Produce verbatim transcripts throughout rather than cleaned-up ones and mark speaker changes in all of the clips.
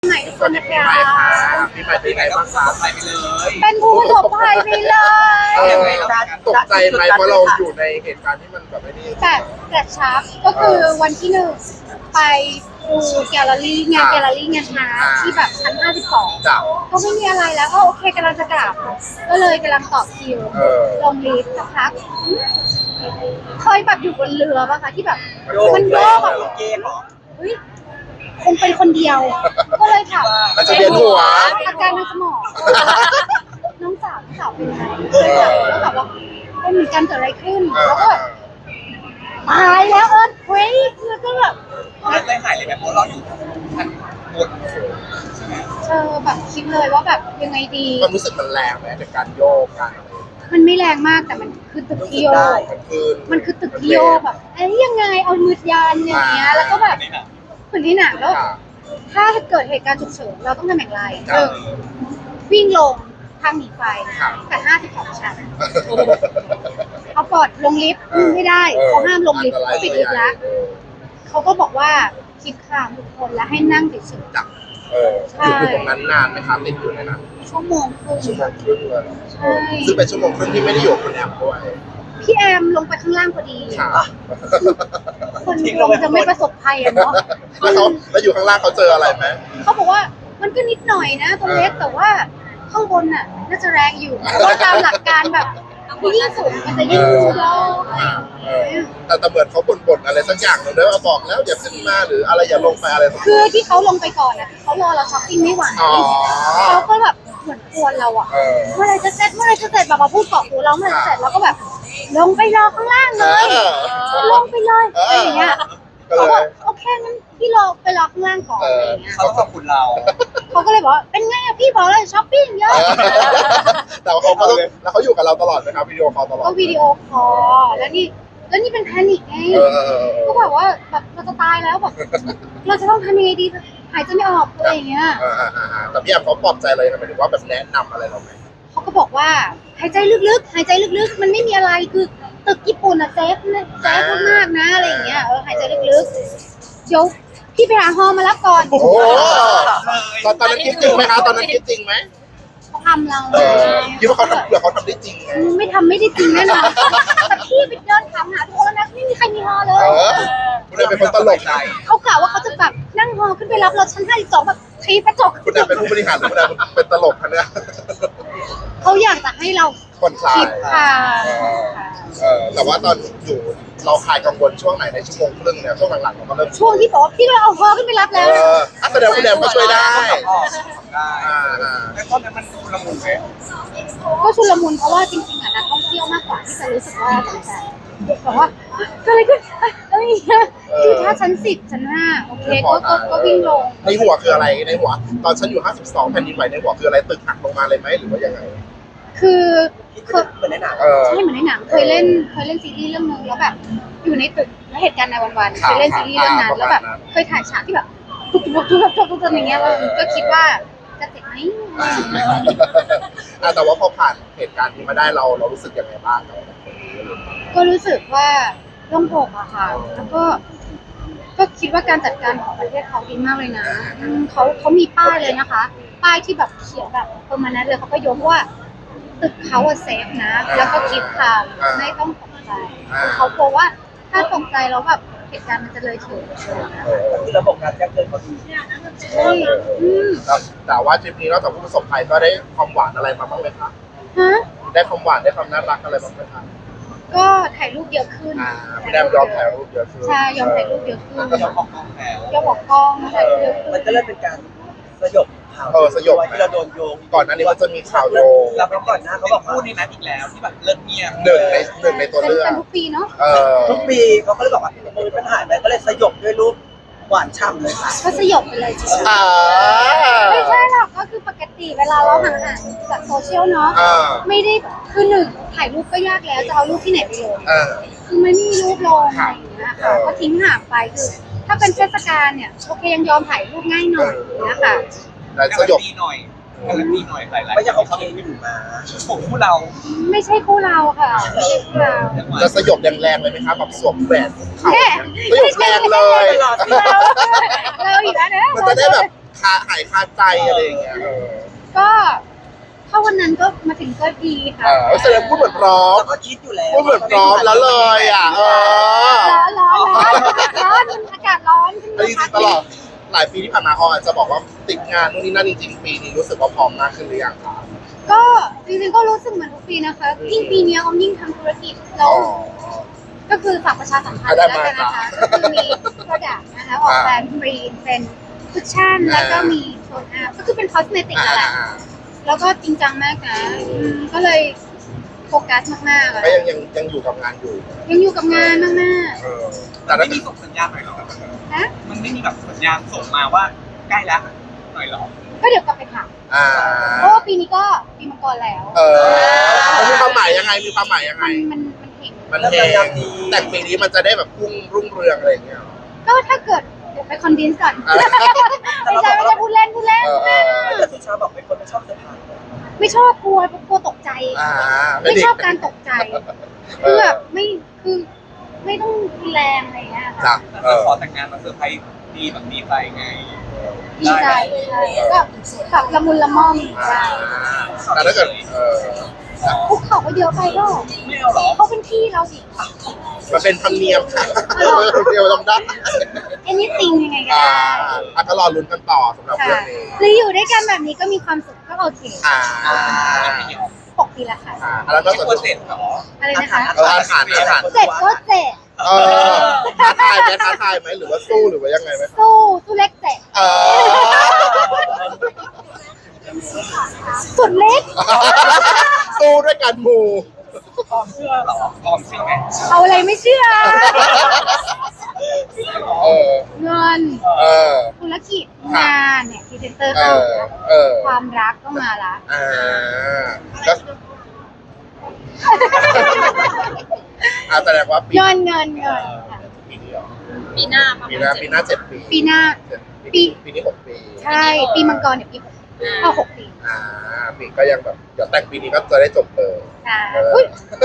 Speaker 1: ใหม่ทุกคนนะคะ
Speaker 2: ปีใหม่เป็นไงบ้างคะไปไปเลย
Speaker 1: เป็นผู้ประสบภัยไปเลย
Speaker 2: เออตกใจไหมเพราะเราอยู่ในเหตุการณ์ที่มันแบบไม่ได้
Speaker 1: แต่กระชับก็คือวันที่หนึ่งไปดูแกลเลอรี่งานแกลเลอรี่งานช้าที่แบบชั้นห้าสิบสอง
Speaker 2: จ้ะ
Speaker 1: ก็ไม่มีอะไรแล้วก็โอเคกำลังจะกลับก็เลยกำลังต่อคิว
Speaker 2: เออ
Speaker 1: ลงลิฟต์สักพักเคยแบบอยู่บนเรือป่ะคะที่แบบมันโยกแบบ
Speaker 3: เกมเหรอ
Speaker 1: เฮ้ยคงเป็นคนเดียว ก็เลยถาม
Speaker 2: อาจจะเวียนหัว
Speaker 1: อาการทางสมองน้องสาวน้องสาวเป็นไงเลยถามแล้วถามว่าเป็นเหมือนกันเกิดอะไรขึ้นแล้วก็แบบตายแล้วเอิร์ธเควกแล้วก็แบบ
Speaker 3: แล้วได้หายเลยไหมเพราะเราอยู่ชั้นบน
Speaker 1: เออแบบคิดเลยว่าแบบยังไงดี
Speaker 2: ความรู้สึกมันแรงไหมในการโยกกันอะไรอย่างเงี้ย
Speaker 1: มันไม่แรงมากแต่มันคือตึกที่โยก
Speaker 2: มันคือ
Speaker 1: มันคือตึกที่โยกแบบเอ้ยยังไงเอามือยันอย่างเงี้ยแล้วก็แบบเหมือนที่หนังแล้ว
Speaker 2: ค่ะ
Speaker 1: ถ้าเกิดเหตุการณ์ฉุกเฉินเราต้องทำอย่างไร
Speaker 2: ครั
Speaker 1: ห
Speaker 2: บ
Speaker 1: นึ่งวิ่งลงทางหนีไฟ
Speaker 2: ครับ
Speaker 1: แต่ห้าสิบสองชั้นเอากอดลงลิฟต์ไม่ได้เขาห้ามลงลิฟต์เขาปิดลิฟต์แล้วเขาก็บอกว่าคิดค่าทุกคนแล้วให้นั่งเฉย
Speaker 2: จับเอออยู่ตรงนั้นนานไหมครับติดอยู่ในนั้น
Speaker 1: ๆชั่วโมงครึ่ง
Speaker 2: ชั่วโมงครึ่งเลย
Speaker 1: ใช่
Speaker 2: ซึ่งเป็นชั่วโมงครึ่งที่ไม่ได้อยู่กับคุณแอมด้วย
Speaker 1: พี่แอมลงไปข้างล่างพอดี
Speaker 2: ค่ะ
Speaker 1: คนลงจะไม่ประสบภัยอะเนาะ
Speaker 2: แล้วเขาแล้วอยู่ข้างล่างเขาเจออะไรไหม
Speaker 1: เขาบอกว่ามันก็นิดหน่อยนะตัวเล็กแต่ว่าข้างบนน่ะน่าจะแรงอยู่เพราะตามหลักการแบบยิ่งสูงมันจะยิ่งโยกอะไรอย่าง
Speaker 2: เอ
Speaker 1: เงี้
Speaker 2: อย แต่แต่เหมือนเขาบ่นๆอะไรสักอย่างหนึ่งด้วยว่าบอกแล้วอย่าขึ้นมาหรืออะไรอย่าลงไปอะไรสักอย่าง
Speaker 1: คือที่เขาลงไปก่อนอ่ะเขารอเราช้อปปิ้งไม่ไหว
Speaker 2: อ๋อ
Speaker 1: เขาก็แบบเหมือนกวนเราอ่ะ
Speaker 2: เออ
Speaker 1: เมื่อไรจะเสร็จเมื่อไรจะเสร็จแบบมาพูดเกาะหูเราเมื่อไรจะเสร็จเราก็แบบ ลงไปรอข้างล่างเลย
Speaker 2: เออ
Speaker 1: ลงไปเลยอะไรอย่างเงี้ย
Speaker 2: ก็
Speaker 1: เขา
Speaker 2: เล
Speaker 1: บอย กโอเคงั้นพี่รอไปรอข้างล่างก่อนอะไรอย่างเงี้ย
Speaker 3: เขาต้องขอบคุณเรา
Speaker 1: เขาก็เลยบอกว่าเป็นไงอะพี่บอกเลยช้อปปิ้งเยอะ
Speaker 2: แต่ว่าเขาก็ต้องแล้วเขาอยู่กับเราตลอดไหมครับวิดีโอคอลตลอด
Speaker 1: ก็วิดีโอคอลแล้วนี่แล้วนี่เป็นแพนิคไง
Speaker 2: เออเออเออเอ
Speaker 1: ก็
Speaker 2: อ
Speaker 1: แบบว่าแบบเราจะตายแล้วแบบเราจะต้องทำยังไงดีหายใจไม่ออกอะไรอย่างเงี้ย
Speaker 2: เออเออเออเออแต่พี่แอมเขาปลอบใจเลยนะหมายถึงว่าแบบแนะนำอะไรเราไหม
Speaker 1: เขาก็บอกว่าหายใจลึกๆหายใจลึกๆ มันไม่มีอะไรคือตึกญี่ปุ่นอะเซฟนะเซฟมากๆนะอะไรอย่างเงี้ยเออหายใจลึกๆเดี๋ยวพี่ไปหาฮอมาแล้วก่อน
Speaker 2: โอ้ตอนตอนนั้นคิดจริงไหมคะตอนนั้นคิดจริงไหม
Speaker 1: เขาทำเรา
Speaker 2: เออคิดว่าเขาทำเผื่อเขาทำได้จริงไง
Speaker 1: ไม่ทำไม่ได้จริงแน่นอนแต่พี่ไปเดินถามหาทุกคนแล้วนะไม่มีใครมีฮอเล
Speaker 2: เอย อคุณแอมเป็นคนตลกนะ
Speaker 1: เขากล่าวว่าเขาจะแบบนั่งฮอขึ้นไปรับเราชั้นห้าสิบสองแบบทีกระจก
Speaker 2: คุณแอมเป็นผู้บริหารหรือคุณแอมเป็นตลกคะเนี่ย
Speaker 1: เขาอยากจะให้เรา
Speaker 2: คนคลา
Speaker 1: คิ
Speaker 2: ย
Speaker 1: ดค่ะ
Speaker 2: เออเออแต่ว่าตอนอยู่เราคลายกังวลช่วงไหนในชั่วโมงครึ่งเนี่ยช่วงหลังๆเราก็เริ่ม
Speaker 1: ช่วงที่บอกว่าพี่ก็เอาฮอขึ้นไปรับ
Speaker 2: เอ
Speaker 1: แล้ว
Speaker 2: ออ่ะแสดงว่าคุณแอมก็ช่วยได้
Speaker 3: ออกได้
Speaker 2: อ่าอ่า
Speaker 3: แต่ตอนนั้นมันชุลมุนไหม
Speaker 1: ก็ชุลมุนเพราะว่าจริงๆอ่ะนักท่องเที่ยวมากกว่าที่จะรู้สึกว่าตกใจแบบว่าเกิดอะไรขึ้นเอ้ยอะไรอย่างเงี้ยคือถ้าชั้นสิบชั้นห้าโอเคก็ก็ก็วิ่งลง
Speaker 2: ในหัวคืออะไรในหัว ตอนฉันอยู่ห้าสิบสองแผ่นดินไหวในหัวคืออะไรตึกหักลงมาเลยไหมหรือว่ายังไง
Speaker 1: คือเคย
Speaker 3: เหมือนในหนัง
Speaker 2: เออ
Speaker 1: ใช่เหมือนในหนังเคยเล่นเคยเล่นซีรีส์เรื่องนึงแล้วแบบอยู่ในตึกแล้วเหตุการณ์ในวันๆเคยเล่นซีรีส์เรื่องนั้นแล้วแบบเคยถ่ายฉากที่แบบทุบทุบทุบทุบทุบทุบอย่างเงี้ยเราก็คิดว่าจะเจ็บไหม
Speaker 2: อ่ะแต่ว่าพอผ่านเหตุการณ์นี้มาได้เราเรารู้สึกยังไงบ้างกับคนนี้
Speaker 1: ก็รู้สึกว่าโล่งอกอะค่ะแล้วก็ ก็คิดว่าการจัดการของประเทศเขาดีมากเลยนะอืมเขาเขามีป้ายเลยนะคะ ป้ายที่แบบเขียนแบบเปอร์มาแนนต์เลยเขาก็ยกว่าตึกเขาอะเซฟนะ แล้วก็คิดทางไม่ต้องตกใจเขากลัวว่าถ้าตกใจแล้วแบบเหตุการณ์มันจะเลยเถิด
Speaker 2: เออ
Speaker 3: คือระบบการแจ้งเตือนเขาดี
Speaker 1: ใช่อืม
Speaker 2: แต่แต่ว่าทริปนี้นอกจากผู้ประสบภัยก็ได้ความหวานอะไรมาบ้างไหมคะ
Speaker 1: ฮะ
Speaker 2: ได้ความหวานได้ความน่ารักอะไรบ้างไหมคะ
Speaker 1: ก็ถ่ายรูปเยอะขึ้น
Speaker 2: อ่าพี่แดมยอมถ่ายรูปเยอะขึ้น
Speaker 1: ใช่ยอมถ่ายรูปเยอะขึ้น
Speaker 3: ยอมออกกองแล้ว
Speaker 1: ยอมบอกกล้องถ่ายรูปเยอะขึ้น
Speaker 3: มันก็เริ่มเป็นการสยบข่าว
Speaker 2: เออสยบ
Speaker 3: ที่เราโดนโยง
Speaker 2: ก่อนหน้านี้มันจะมีข่าวโยง
Speaker 3: แล้วก่อนหน้าเขาบอกพูดในนั้นอีกแล้วที่แบบเลิกเงียบ
Speaker 2: หนึ่งในหนึ่งในตัว
Speaker 1: เป็น
Speaker 2: เลือก
Speaker 1: เป็นทุกปีเนาะ
Speaker 2: เออ
Speaker 3: ทุกปีเขาก็เลยบอกว่าเออปัญหาไปก็เลยสยบด้วยรูปหวานฉ่ำเลยค่ะ
Speaker 1: ก็สยบไปเลยจริงๆ
Speaker 2: อ่า
Speaker 1: ไม่ใช่หรอกก็คือปกติเวลาเราห่างๆจากโซเชียลเนาะ
Speaker 2: อ่า
Speaker 1: ไม่ได้คือหนึ่งถ่ายรูปก็ยากแล้วจะเอารูปที่ไหนไปลง
Speaker 2: อ่า
Speaker 1: คือไม่มีรูปลงอะไรอย่างเงี้ยค่ะก็ทิ้งห่างไปคือถ้าเป็นเทศกาลเนี่ยโอเคยังยอมถ่ายรูปง่ายหน่อยนะคะ
Speaker 2: แต่สยบ
Speaker 3: หน่อยการันตีหน่อยหลายๆไม่ใช่เขาเคอยู่มาผมพูดเรา
Speaker 1: ไม่ใช่คู่เราค่ะไม่ใช่คู่เรา
Speaker 2: จะสยบแรงๆเลยไหมครับแบบสวมแหวนเขา
Speaker 1: แค่
Speaker 2: สยบแรงเลย
Speaker 1: เราเราอีกแล้วนะ
Speaker 2: มันจะได้แบบคาหายคาใจอะไรอย่างเงี้ยเออ
Speaker 1: ก็ถ้าวันนั้นก็มาถึงก็ดีค่ะ
Speaker 2: เออแสดงพูดเหมือนพร้อม
Speaker 3: เราก็คิดอยู่แล้ว
Speaker 2: พูดเหมือนพร้อมแล้วเลยอ่ะเออ
Speaker 1: ร้อนร้อนร้อนร้อนมันอากาศร้อนขึ้น
Speaker 2: แล้ว
Speaker 1: มา
Speaker 2: จริงๆตลอดหลายปีที่ผ่านมาออยจะบอกว่าติดงานนู่นนี่นั่นจริงๆปีนี้รู้สึกว่าพร้อมมากขึ้นหรือยังคะ
Speaker 1: ก็จริงๆก็รู้สึกเหมือนทุกปีนะคะยิ่งปีนี้ออมยิ่งทำธุรกิจเรา
Speaker 2: อ๋อ
Speaker 1: ก็คือฝากประชาสัมพันธ์
Speaker 2: ได้
Speaker 1: แล้ว
Speaker 2: มา
Speaker 1: กันนะคะ
Speaker 2: ครับ
Speaker 1: ก็คือมี product นะคะออกแบรนด์ฟรีเป็นคุชชั่น
Speaker 2: อ่า
Speaker 1: แล้วก็มีโทนอัพก็คือเป็นคอสเมติก
Speaker 2: อ่า
Speaker 1: นั่นแหละ
Speaker 2: อ่า
Speaker 1: แล้วก็จริงจังมากนะอืมก็เลยโฟกัสมากๆอะ
Speaker 2: ก็ยังยังยังอยู่กับงานอยู่
Speaker 1: ยังอยู่กับงานมาก
Speaker 2: เออแต่
Speaker 4: แต่
Speaker 2: ถ้า
Speaker 4: ไม่มีส่งสัญญาณหน่อยเหรอ
Speaker 1: ๆนะ
Speaker 4: มันไม่มีแบบสัญญาณส่งมาว่าใกล้แล้วหน่อยเหรอ
Speaker 1: ก็เดี๋ยวกลับไปถาม
Speaker 2: อ่า
Speaker 1: เพราะว่าปีนี้ก็ปีมังกรแล้ว
Speaker 2: เออมันมีความหมายยังไงมีความหมายยังไง
Speaker 1: มันมันมันเห็น
Speaker 2: มันเองแต่ปีนี้มันจะได้แบบพุ่งรุ่งเรืองอะไรอย่างเงี้ย
Speaker 1: ก็ถ้าเกิดเดี๋ยวไปคอนวินส์ก่อน
Speaker 2: อ่า
Speaker 1: ไม่ใช่ไม่ใช่พูดเล่นพูดเล่น
Speaker 2: เออเออ
Speaker 3: แต่สุชาบอกเป็นคนไม่ชอบเซอร์ไพรส์
Speaker 1: ไม่ชอบกลัวกลัวตกใจ
Speaker 2: อ่า
Speaker 1: ไม่ชอบการตกใจ
Speaker 2: เอ
Speaker 1: คือ
Speaker 2: อ
Speaker 1: แบบไม่คือไม่ต้องรุนแรงอะไรอย่างเงี้ย
Speaker 2: จ้ะ
Speaker 1: ค่ะ
Speaker 2: เอ
Speaker 4: แต่
Speaker 2: อ
Speaker 4: ขอแต่งงานมาเซอร์ไพรส์ดีแบบดีใจไง
Speaker 1: ดีใจใช่ก็แบบละมุนละม่อม
Speaker 2: อ่า
Speaker 1: ใช่
Speaker 2: แต่ถ้าเกิดเออ
Speaker 1: คุกเข่าก็เยอะไปก็
Speaker 4: ไม่เอาเหรอ
Speaker 1: เขาเป็นพี่เราสิ
Speaker 2: มันเป็นธรรมเนียมค่ะเดียวทำได้
Speaker 1: anything ยังไงก็
Speaker 2: อ่า
Speaker 1: ได้
Speaker 2: อ่ะก็รอลุ้นกันต่อสำหรับ
Speaker 1: ค่ะ
Speaker 2: เรื่องนี้
Speaker 1: หรืออยู่ด้วยกันแบบนี้ก็มีความสุขก็โอเค
Speaker 2: อ่า
Speaker 1: หกปีละค่ะ
Speaker 2: อ่าแล้วก็
Speaker 4: ไม่
Speaker 2: ส่วน
Speaker 4: ควรเสร็จเหรอ
Speaker 1: อะไรนะคะ
Speaker 2: เอออาถรรพ์อาถรรพ์
Speaker 1: เจ็ดก็เจ็ด
Speaker 2: เออท้าทายไหมท้าทายไหมหรือว่าสู้หรือว่ายังไงไหม
Speaker 1: สู้สู้เล็กเจ็ด
Speaker 2: เออ
Speaker 1: สุดเล็ก
Speaker 2: สู้ด้วยกันหมู่
Speaker 4: ออมเชื่อเหรอออมเชื่อไหม
Speaker 1: เอาอะไรไม่เชื่อ
Speaker 2: เออ
Speaker 1: เงิน
Speaker 2: เออ
Speaker 1: ธุรกิจงานเนี่ยพรีเซนเตอร์
Speaker 2: เอ
Speaker 1: เข้า
Speaker 2: อ เออ
Speaker 1: ความรักก็มาละ
Speaker 2: อ่าก็อาแสดงว่าปี
Speaker 1: เงินเงินเงินค่ะ
Speaker 2: ปีนี้เหรอ
Speaker 1: ปีหน้า
Speaker 2: ปีหน้าปีหน้าเจ็ดปี
Speaker 1: ปีหน้า
Speaker 2: เจ็ด
Speaker 1: ปี
Speaker 2: ปีนี้หกปี
Speaker 1: ใช่ ปีมังกรเนี่ยปีหกเอาหกปี
Speaker 2: อ่าปีก็ยังแบบเดี๋ยวแต่งปีนี้ก็จะได้จบเลย
Speaker 1: ใช่
Speaker 2: เออ
Speaker 1: อุ้ย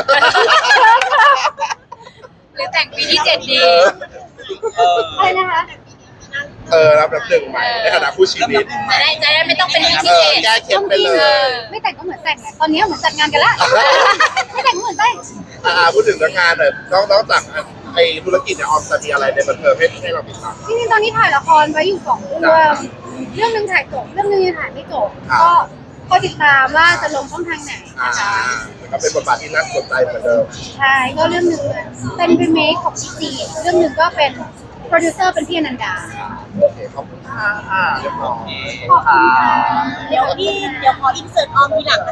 Speaker 5: หรือแต่งปีที่เจ็ดดี
Speaker 2: เออ
Speaker 4: เออ
Speaker 1: อะไรนะคะ
Speaker 2: เออรับแบบหนึ่งใหม่ในฐานะผู้ชีวิต
Speaker 5: จะได้จะได้ไม่ต้องเป็นปี
Speaker 2: เอ
Speaker 5: ที่
Speaker 2: อ
Speaker 5: เจ็ด
Speaker 2: แก้เคล็ดไปเลย
Speaker 1: ไม่แต่งก็เหมือนแต่งไงตอนนี้เหมือนจัดงานกันละไม่แต่งก็เหมือนแต่ง
Speaker 2: อ่าพูดถึงเรื่องงานหน่อยนอกนอกจากไอ้ธุรกิจเนี่ยออมจะมีอะไรในบันเทิงให้ให้เราติดตาม
Speaker 1: จริงๆตอนนี้ถ่ายละครไว้อยู่สองเรื่องเรื่องหนึ่งถ่ายจบเรื่องหนึงยังถ่ายไม่จบ
Speaker 2: ครับ
Speaker 1: ก็ก็ติดตามว่าจะลงช่องทางไหน
Speaker 2: อ่า
Speaker 1: นะคะ
Speaker 2: แล้วก็เป็นบทบาทที่น่าสนใจเหมือนเดิม
Speaker 1: ใช่ก็เรื่องหนึ่งเป็นรีเมคของพี่ซีเรื่องหนึ่งก็เป็นโปรดิวเซอร์เป็นพี่อนันดา
Speaker 2: โอเคขอบคุณค่ะเรียบร้อย
Speaker 1: ขอบคุณค่ะ
Speaker 6: เดี๋ยวพี่เดี๋ยวขออินเสิร์ตออมทีหลัง